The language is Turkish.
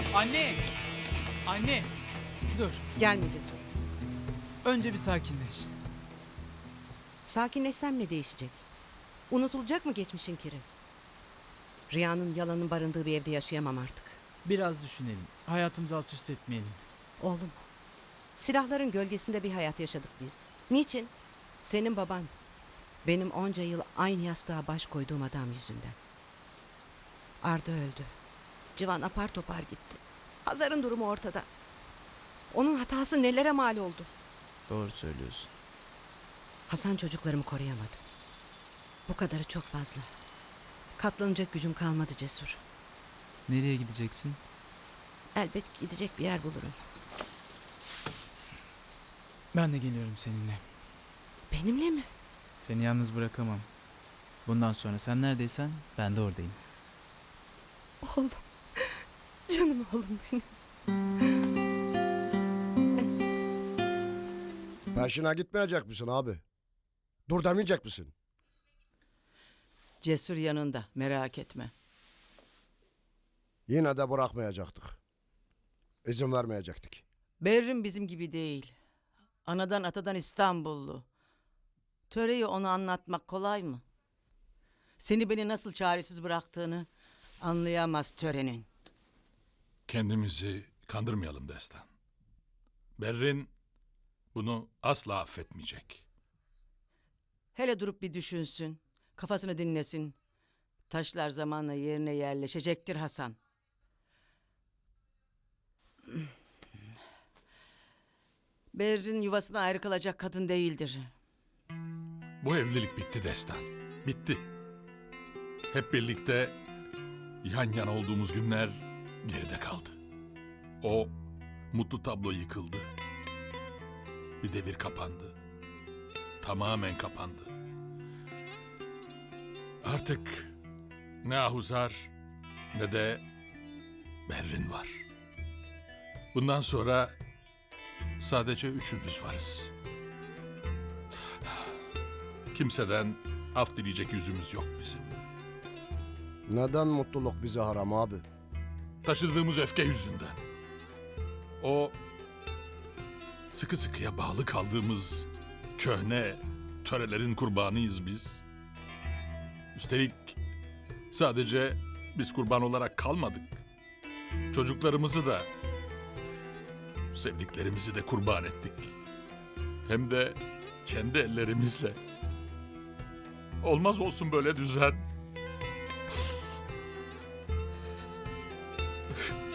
Anne! Anne! Dur. Gelme Cesur. Önce bir sakinleş. Sakinleşsem ne değişecek? Unutulacak mı geçmişin kiri? Rüyanın yalanın barındığı bir evde yaşayamam artık. Biraz düşünelim. Hayatımızı alt üst etmeyelim. Oğlum, silahların gölgesinde bir hayat yaşadık biz. Niçin? Senin baban. Benim onca yıl aynı yastığa baş koyduğum adam yüzünden. Arda öldü. Civan apar topar gitti. Hazar'ın durumu ortada. Onun hatası nelere mal oldu? Doğru söylüyorsun. Hasan çocuklarımı koruyamadı. Bu kadarı çok fazla. Katlanacak gücüm kalmadı Cesur. Nereye gideceksin? Elbet gidecek bir yer bulurum. Ben de geliyorum seninle. Benimle mi? Seni yalnız bırakamam. Bundan sonra sen neredeysen ben de oradayım. Oğlum. Canım oğlum benim. Peşine gitmeyecek misin abi? Dur demeyecek misin? Cesur yanında, merak etme. Yine de bırakmayacaktık. İzin vermeyecektik. Berrin bizim gibi değil. Anadan atadan İstanbullu. Töreyi ona anlatmak kolay mı? Seni beni nasıl çaresiz bıraktığını anlayamaz törenin. Kendimizi kandırmayalım Destan. Berrin bunu asla affetmeyecek. Hele durup bir düşünsün, kafasını dinlesin. Taşlar zamanla yerine yerleşecektir Hasan. Berrin yuvasına ayrı kalacak kadın değildir. Bu evlilik bitti Destan. Bitti. Hep birlikte yan yana olduğumuz günler geride kaldı. O mutlu tablo yıkıldı. Bir devir kapandı. Tamamen kapandı. Artık ne Ahuzar ne de Berrin var. Bundan sonra sadece üçümüz varız. Kimseden af dileyecek yüzümüz yok bizim. Neden mutluluk bize haram abi? Taşıdığımız öfke yüzünden. O sıkı sıkıya bağlı kaldığımız köhne törelerin kurbanıyız biz. Üstelik sadece biz kurban olarak kalmadık. Çocuklarımızı da, sevdiklerimizi de kurban ettik. Hem de kendi ellerimizle. Olmaz olsun böyle düzen.